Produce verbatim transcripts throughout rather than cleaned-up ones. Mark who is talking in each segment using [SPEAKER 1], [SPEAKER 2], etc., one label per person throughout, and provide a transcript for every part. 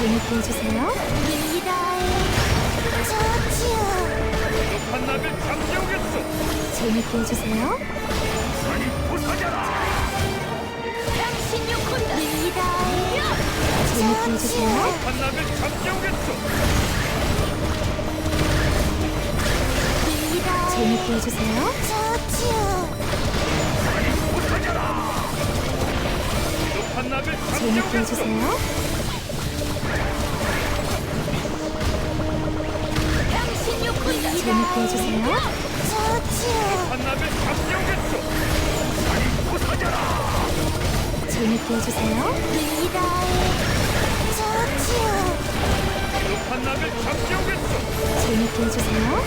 [SPEAKER 1] 재밌게 해주세요.
[SPEAKER 2] 한나를 잠재우겠어.
[SPEAKER 1] 재밌게 해주세요.
[SPEAKER 2] 아니 부서져라.
[SPEAKER 1] 재밌게 해주세요.
[SPEAKER 2] 한나를 잠재우겠어.
[SPEAKER 1] 재밌게 해주세요.
[SPEAKER 2] 아니 부서져라. 한나를
[SPEAKER 1] 재밌게
[SPEAKER 2] 잠재우겠어.
[SPEAKER 1] 해주세요. 재밌게 해주세요.
[SPEAKER 2] 한나를 잠재우겠어. 아니 부서져라.
[SPEAKER 1] 재밌게 해주세요.
[SPEAKER 2] 한나를 잠재우겠어.
[SPEAKER 1] 재밌게 해주세요.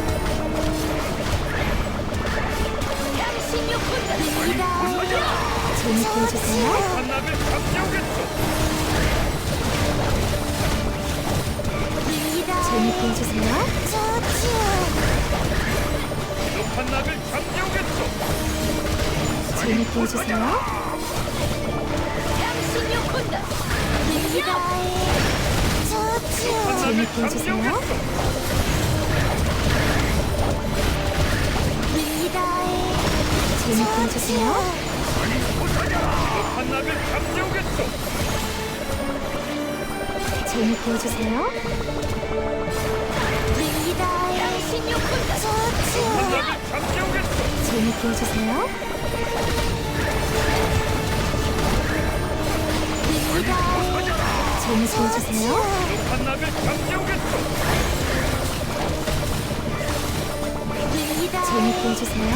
[SPEAKER 1] 재밌게 해주세요.
[SPEAKER 2] 한나를 잠재우겠어.
[SPEAKER 1] 재밌게 해주세요.
[SPEAKER 2] 한나를 잠재우겠어.
[SPEAKER 1] 재밌게 해주세요.
[SPEAKER 2] 한나를
[SPEAKER 1] 재밌게 해주세요.
[SPEAKER 2] 잠재우겠어.
[SPEAKER 1] 재밌게 해주세요.
[SPEAKER 2] 한나를 잠재우겠어.
[SPEAKER 1] 재밌게 해주세요.
[SPEAKER 2] 한나를 잠재우겠어.
[SPEAKER 1] 재밌게 해주세요. 재밌게 해주세요.
[SPEAKER 2] 한나를 잠재우겠어.
[SPEAKER 1] 재밌게 해주세요.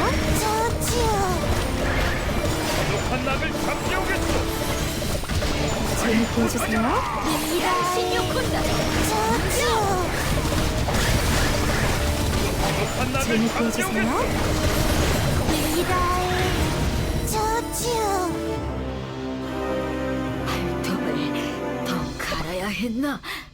[SPEAKER 2] 한나를 잠재우겠어.
[SPEAKER 1] 재밌게 해주세요.
[SPEAKER 2] 한나를
[SPEAKER 1] 재밌게 해주세요.
[SPEAKER 2] 잠재우겠어.
[SPEAKER 3] 발톱을 더 갈아야 했나?